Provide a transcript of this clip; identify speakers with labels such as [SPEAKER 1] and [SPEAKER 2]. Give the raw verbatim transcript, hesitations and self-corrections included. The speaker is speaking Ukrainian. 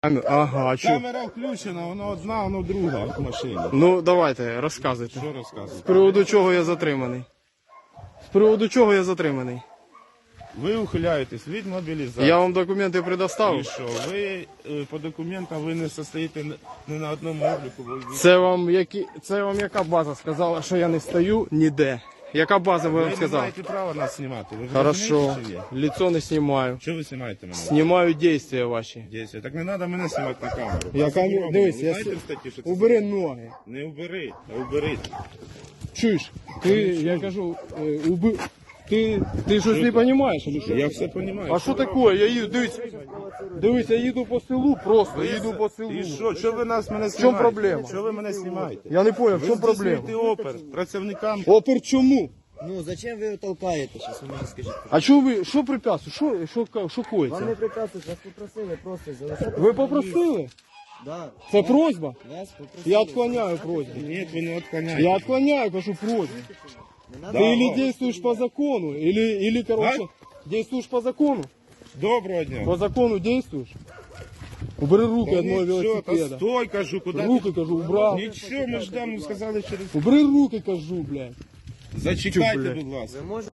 [SPEAKER 1] Ага, а чо?
[SPEAKER 2] Камера включена, вона одна, вона друга в машині.
[SPEAKER 1] Ну, давайте, розказуйте.
[SPEAKER 2] Що розказувати?
[SPEAKER 1] З приводу чого я затриманий? З приводу чого я затриманий?
[SPEAKER 2] Ви ухиляєтесь від мобілізації.
[SPEAKER 1] Я вам документи
[SPEAKER 2] І
[SPEAKER 1] предоставив.
[SPEAKER 2] що? Ви е, по документам ви не состоїте ні на одному обліку. Ви,
[SPEAKER 1] Це вам, які... Це вам яка база сказала, що я не стою ніде? Яка база ви
[SPEAKER 2] ви
[SPEAKER 1] вам
[SPEAKER 2] не
[SPEAKER 1] сказала?
[SPEAKER 2] маєте права нас знімати. Ви
[SPEAKER 1] Хорошо,
[SPEAKER 2] розумієте, чи є?
[SPEAKER 1] лицо не знімаю.
[SPEAKER 2] Що ви знімаєте мене?
[SPEAKER 1] Знімаю дійства ваші.
[SPEAKER 2] Дійсно. Так не треба мене знімати на камеру.
[SPEAKER 1] Я
[SPEAKER 2] Це
[SPEAKER 1] камеру-
[SPEAKER 2] заборонено.
[SPEAKER 1] дивись,
[SPEAKER 2] Ви
[SPEAKER 1] я
[SPEAKER 2] знаєте
[SPEAKER 1] с-
[SPEAKER 2] в статті, що це
[SPEAKER 1] Убери
[SPEAKER 2] заборонено?
[SPEAKER 1] ноги.
[SPEAKER 2] Не убери, а убери.
[SPEAKER 1] Чуєш? Ти, я кажу, е, уби... Ти, ти щось не розумієш?
[SPEAKER 2] Я все розумію.
[SPEAKER 1] А що таке? Я їду, дивись, дивись, я їду по селу, просто їду по селу.
[SPEAKER 2] І що? Що ви нас мене знімаєте?
[SPEAKER 1] чому проблема?
[SPEAKER 2] Що ви мене знімаєте?
[SPEAKER 1] Я не понял, в
[SPEAKER 2] Ви
[SPEAKER 1] чому проблема?
[SPEAKER 2] здійснюєте опер працівникам.
[SPEAKER 1] Опер чому?
[SPEAKER 3] Ну, зачем ви його толкаєте, щас ви мені скажіть?
[SPEAKER 1] А що ви, що препятствує? Що, що, ка- що
[SPEAKER 3] Вам не
[SPEAKER 1] коїться?
[SPEAKER 3] прикасують, вас попросили просто залишати.
[SPEAKER 1] Ви попросили?
[SPEAKER 3] Да.
[SPEAKER 1] Це просьба?
[SPEAKER 3] Вас попросили.
[SPEAKER 1] Я відклоняю просьбу.
[SPEAKER 2] Ні, ви не відклоняєте.
[SPEAKER 1] Я відклоняю, кажу, просьбу.
[SPEAKER 3] Не
[SPEAKER 1] Ты
[SPEAKER 3] надо.
[SPEAKER 1] или действуешь по закону, или, или короче, действуешь по закону.
[SPEAKER 2] Доброго дня.
[SPEAKER 1] По закону действуешь. Убери руки от моего
[SPEAKER 2] Нічого, та
[SPEAKER 1] велосипеда.
[SPEAKER 2] стой, кажу, куди
[SPEAKER 1] Руки, кажу, убрал.
[SPEAKER 2] ти? Нічого, ми ждемо, сказали через...
[SPEAKER 1] Убери руки, кажу, блядь.
[SPEAKER 2] Зачекайте,
[SPEAKER 1] блядь?
[SPEAKER 2] будь ласка.
[SPEAKER 3] Ви можете